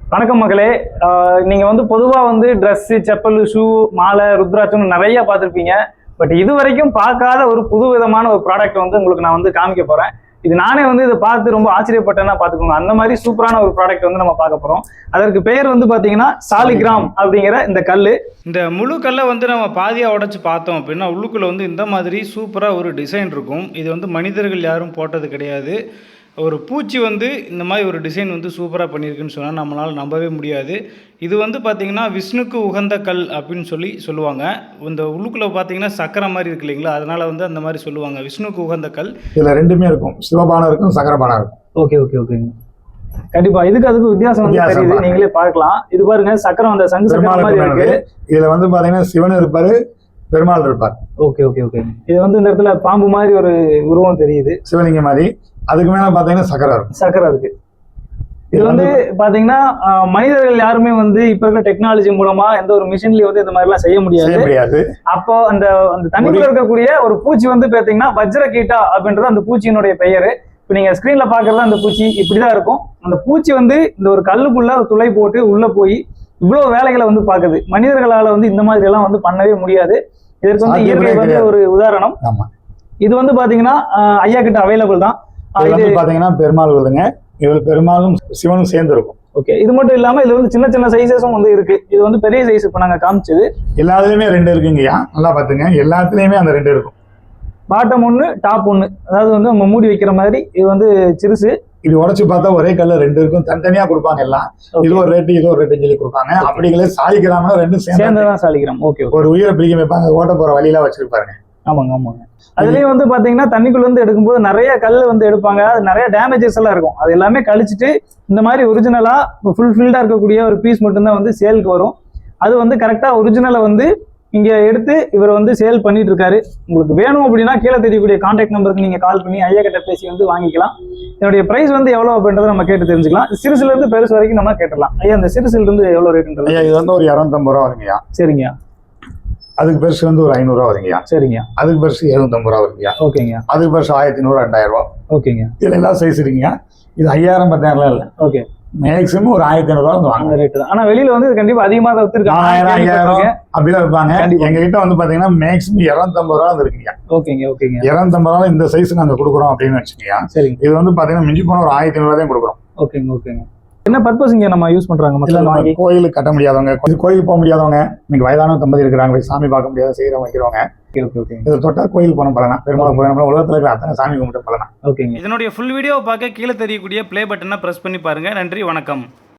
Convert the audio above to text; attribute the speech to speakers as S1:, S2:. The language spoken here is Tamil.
S1: வணக்கம் மக்களே. நீங்க வந்து பொதுவா வந்து ட்ரெஸ், செப்பல், ஷூ, மாலை, ருத்ராட்சம் நிறைய பார்த்துருப்பீங்க. பட் இது வரைக்கும் பார்க்காத ஒரு புது விதமான ஒரு ப்ராடக்ட் வந்து உங்களுக்கு நான் வந்து காமிக்க போறேன். இது நானே வந்து இதை பார்த்து ரொம்ப ஆச்சரியப்பட்டேன்னா பார்த்துக்கோங்க. அந்த மாதிரி சூப்பரான ஒரு ப்ராடக்ட் வந்து நம்ம பார்க்க போறோம். அதற்கு பெயர் வந்து பாத்தீங்கன்னா சாலிகிராம் அப்படிங்கிற இந்த கல்.
S2: இந்த முழு கல்லை வந்து நம்ம பாதியாக உடைச்சு பார்த்தோம் அப்படின்னா உள்ளுக்குள்ளே வந்து இந்த மாதிரி சூப்பராக ஒரு டிசைன் இருக்கும். இது வந்து மனிதர்கள் யாரும் போட்டது கிடையாது. ஒரு பூச்சி வந்து இந்த மாதிரி ஒரு டிசைன் வந்து சூப்பராக பண்ணியிருக்குன்னு சொன்னால் நம்மளால் நம்பவே முடியாது. இது வந்து பார்த்திங்கன்னா விஷ்ணுக்கு உகந்த கல் அப்படின்னு சொல்லுவாங்க. இந்த உள்ளுக்குள்ளே பார்த்தீங்கன்னா சக்கரை மாதிரி இருக்கு இல்லைங்களா, அதனால் வந்து அந்த மாதிரி சொல்லுவாங்க விஷ்ணுக்கு உகந்த கல்.
S3: இதில் ரெண்டுமே இருக்கும், சிவபானம் இருக்கும், சக்கரபானம் இருக்கும்.
S1: ஓகே ஓகே ஓகேங்க. கண்டிப்பா அதுக்கு வித்தியாசம் வந்து தெரியுது, நீங்களே பார்க்கலாம். இது பாருங்க, சக்கரம் அந்த சங்கு சக்கரம் மாதிரி இருக்கு.
S3: இதுல வந்து பாத்தீங்கன்னா சிவன் இருப்பாரு, பெருமாள் இருப்பார்.
S1: Okay okay okay. இது வந்து இந்த இடத்துல பாம்பு மாதிரி ஒரு உருவம் தெரியுது,
S3: சிவலிங்க மாதிரி. அதுக்கு மேல பாத்தீங்கன்னா சக்கரம் இருக்கு.
S1: இது வந்து பாத்தீங்கன்னா மனிதர்கள் யாருமே வந்து இப்ப இருக்கிற டெக்னாலஜி மூலமா எந்த ஒரு மிஷின்லயும் வந்து இந்த மாதிரி எல்லாம் செய்ய முடியாது. அப்போ அந்த தண்ணிக்குள்ள இருக்கக்கூடிய ஒரு பூச்சி வந்து பாத்தீங்கன்னா வஜ்ரகீட்டா அப்படின்றது அந்த பூச்சியினுடைய பெயரு. இப்போ நீங்க ஸ்கிரீன்ல பாக்குறதா அந்த பூச்சி இப்படிதான் இருக்கும். அந்த பூச்சி வந்து இந்த ஒரு கல்லுக்குள்ள துளை போட்டு உள்ள போய் இவ்வளவு வேலைகளை வந்து பாக்குது. மனிதர்களால வந்து இந்த மாதிரி எல்லாம் வந்து பண்ணவே முடியாது. இதற்கு வந்து இயற்கை வந்து ஒரு உதாரணம். இது வந்து பாத்தீங்கன்னா ஐயா கிட்ட அவைலபிள் தான்.
S3: பாத்தீங்கன்னா பெருமாள் வருதுங்க. இதுல பெருமாளும் சிவனும் சேர்ந்து இருக்கும்.
S1: ஓகே. இது மட்டும் இல்லாம இதுல வந்து சின்ன சின்ன சைஸஸும் வந்து இருக்கு. இது வந்து பெரிய சைஸ் இப்ப நாங்க காமிச்சது.
S3: எல்லாத்துலயுமே ரெண்டு இருக்குங்கய்யா, நல்லா பாத்துங்க. எல்லாத்துலயுமே அந்த ரெண்டு இருக்கும்.
S1: பாட்டம் ஒண்ணு, டாப் ஒண்ணு. அதாவது வந்து நம்ம மூடி வைக்கிற மாதிரி. இது வந்து சிறுசு.
S3: இது உடச்சு பார்த்தா ஒரே கல்ல ரெண்டு இருக்கும், தனித்தனியா கொடுப்பாங்க எல்லாம். இது ஒரு ரேட்டு, இது ஒரு ரேட்டு சொல்லி கொடுப்பாங்க. அப்படிங்களே சாலிகிராம்னா ரெண்டும்
S1: சேர்ந்துதான் சாலிகிராம். ஓகே.
S3: ஒரு உயிரை பிரிக்க வைப்பாங்க, ஓட்ட போற வழியெல்லாம் வச்சிருப்பாருங்க.
S1: ஆமாங்க ஆமாங்க. அதுலயும் வந்து பாத்தீங்கன்னா தண்ணிக்குள்ள இருந்து எடுக்கும்போது நிறைய கல் வந்து எடுப்பாங்க. அது நிறைய டேமேஜஸ் எல்லாம் இருக்கும். அது எல்லாமே கழிச்சிட்டு இந்த மாதிரி ஒரிஜினலா ஃபுல்ஃபில்டா இருக்கக்கூடிய ஒரு பீஸ் மட்டும்தான் வந்து சேலுக்கு வரும். அது வந்து கரெக்டா ஒரிஜினலை வந்து இங்க எடுத்து இவர் வந்து சேல் பண்ணிட்டு இருக்காரு. உங்களுக்கு வேணும் அப்படின்னா கீழே தெரியக்கூடிய கான்டாக்ட் நம்பருக்கு நீங்க கால் பண்ணி ஐயா கிட்ட பேசி வந்து வாங்கிக்கலாம். என்னுடைய பிரைஸ் வந்து எவ்வளவு அப்படின்றத நம்ம கேட்டு தெரிஞ்சுக்கலாம். சிறுசுல இருந்து பெருசு வரைக்கும் நம்ம கேட்டுலாம். ஐயா இந்த சிறுசுல இருந்து எவ்வளவு ரேட்ன்றது?
S3: ஐயா இது வந்து ஒரு 250 ரூபா வருங்கய்யா.
S1: சரிங்க.
S3: அதுக்கு பெருசு வந்து ஒரு 500 ரூபா வருங்கய்யா.
S1: சரிங்க.
S3: அதுக்கு பெருசு 750 ரூபா வருங்கய்யா.
S1: ஓகேங்க.
S3: அதுக்கு பெருசு 1500 2000 ரூபா.
S1: ஓகேங்க.
S3: இதுல எல்லாம் சைஸ் இருக்குங்க. இது 5000 10,000 இல்ல.
S1: ஓகே.
S3: மேக்ஸிமம் ஒரு 1500 ரூபா வந்து வாங்க ரேட் தான்.
S1: ஆனா வெளியில வந்து கண்டிப்பா அதிகமா தான் வித்துருக்காங்க.
S3: 1000 அப்படிலாம் வைப்பாங்க. எங்க கிட்ட வந்து பாத்தீங்கன்னா மேக்ஸிமம் 250 ரூபா இருக்குங்க.
S1: ஓகேங்க ஓகேங்க.
S3: 250 ரூபா இந்த சைஸ் நாங்க கொடுக்குறோம் அப்படின்னு வச்சுக்கோங்க.
S1: சரிங்க.
S3: இது வந்து பாத்தீங்கன்னா மிஞ்சி போன ஒரு 1500 தான் கொடுக்குறோம்.
S1: ஓகேங்க ஓகேங்க. என்ன பர்பஸ் இங்க நம்ம யூஸ் பண்றாங்க மக்கள்? வாங்கி
S3: கோயிலுக்கு கட்ட முடியாதவங்க, கோயிலுக்கு போக முடியாதவங்க, இன்னைக்கு வயதான தம்பதி இருக்கிறாங்க, சாமி பார்க்க முடியாத செய்யறவங்க வைக்கிறவங்க. இதை தொட்டா கோயில் போன பலனா, பெருமாள் போன உலகத்துல இருக்கிற அத்தனை சாமி கும்பிட்டு பலனா.
S1: ஓகேங்க.
S2: இதனுடைய ஃபுல் வீடியோவை பார்க்க கீழே தெரியக்கூடிய ப்ளே பட்டனை பிரஸ் பண்ணி பாருங்க. நன்றி, வணக்கம்.